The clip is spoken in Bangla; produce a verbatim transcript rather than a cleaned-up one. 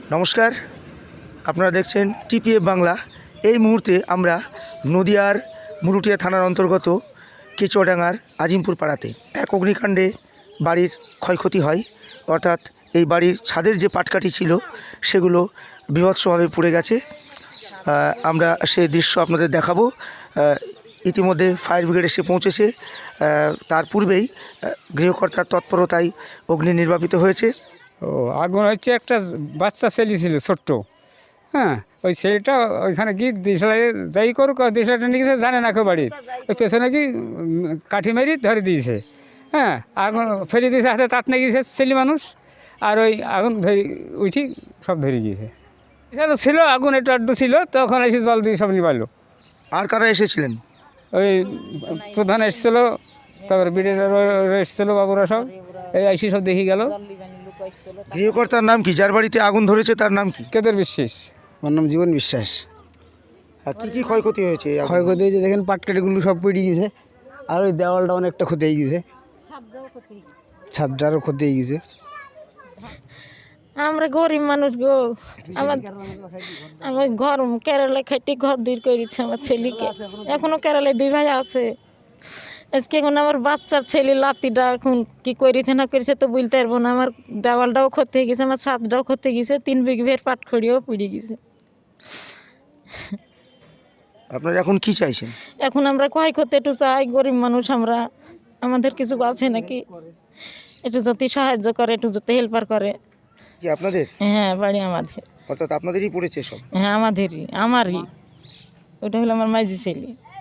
নমস্কার, আপনারা দেখছেন টিপিএফ বাংলা। এই মুহূর্তে আমরা নদিয়ার মুরুটিয়া থানার অন্তর্গত কেচুয়াডাঙ্গার আজিমপুর পাড়াতে এক অগ্নিকাণ্ডে বাড়ির ক্ষয়ক্ষতি হয়, অর্থাৎ এই বাড়ির ছাদের যে পাটকাঠি ছিল সেগুলো বীভৎসভাবে পুড়ে গেছে। আমরা সে দৃশ্য আপনাদের দেখাবো। ইতিমধ্যে ফায়ার ব্রিগেড এসে পৌঁছেছে। তার পূর্বেই গৃহকর্তার তৎপরতায় অগ্নি নির্বাপিত হয়েছে। ও আগুন হচ্ছে একটা বাচ্চা ছেলে ছিল ছোট্ট, হ্যাঁ, ওই ছেলেটা ওইখানে গিয়ে দিশলা যাই করুক দিশলাটা নিয়ে গেছে, জানে না কেউ বাড়ির ওই পেছনে কি কাঠি মারি ধরে দিয়েছে, হ্যাঁ, আগুন ফেলে দিয়েছে হাতে, তাত নিয়ে গিয়েছে ছেলে মানুষ, আর ওই আগুন ধরে উঠি সব ধরে গিয়েছে। তো ছিল আগুন একটু আড্ডু ছিল, তখন এসে জল দিয়ে সব নিবালো। আর কারা এসেছিলেন? ওই প্রধান এসেছিলো, তারপরে বিডের এসেছিলো, বাবুরা সব এই আইসি সব দেখে গেল। গৃহকর্তার নাম কি? যার বাড়িতে আগুন ধরেছে তার নাম কি? কেদের বিশ্বাস। আমার নাম জীবন বিশ্বাস। আর কী কী ক্ষয়ক্ষতি হয়েছে? ক্ষয়ক্ষতি হয়েছে দেখেন, পাটকাঠিগুলো সব পড়ে গেছে, আর ওই দেওয়ালটা অনেকটা ক্ষতি হয়ে গেছে, ছাদটারও ক্ষতি হয়ে গেছে। আমরা গরিব মানুষ গো, আমার আমার ঘর কেরালায় খাইতে ঘর দূর করেছে আমার ছেলেকে, এখনো কেরালায় দুই ভাই আছে। আজকে এখন আমার বাচ্চার ছেলে লাতিটা এখন কি করেছে না করেছে তো বলতে পারবো না। আমার দেওয়ালটাও ক্ষতি হয়ে গেছে, আমার ছাদটাও ক্ষতি গেছে, তিন বিঘের পাটখড়িও পুড়ে গেছে। আপনারা এখন কি চাইছেন? এখন আমরা ক্ষয় করতে একটু চাই, গরিব মানুষ আমরা, আমাদের কিছু আছে নাকি, একটু যদি সাহায্য করে, একটু যদি হেল্পার করে। কি আপনাদের? হ্যাঁ, বাড়ি আমাদের। অর্থাৎ আপনাদেরই পড়েছে সব? হ্যাঁ, আমাদেরই, আমারই। ওটা হলো আমার মাঝি ছেলে।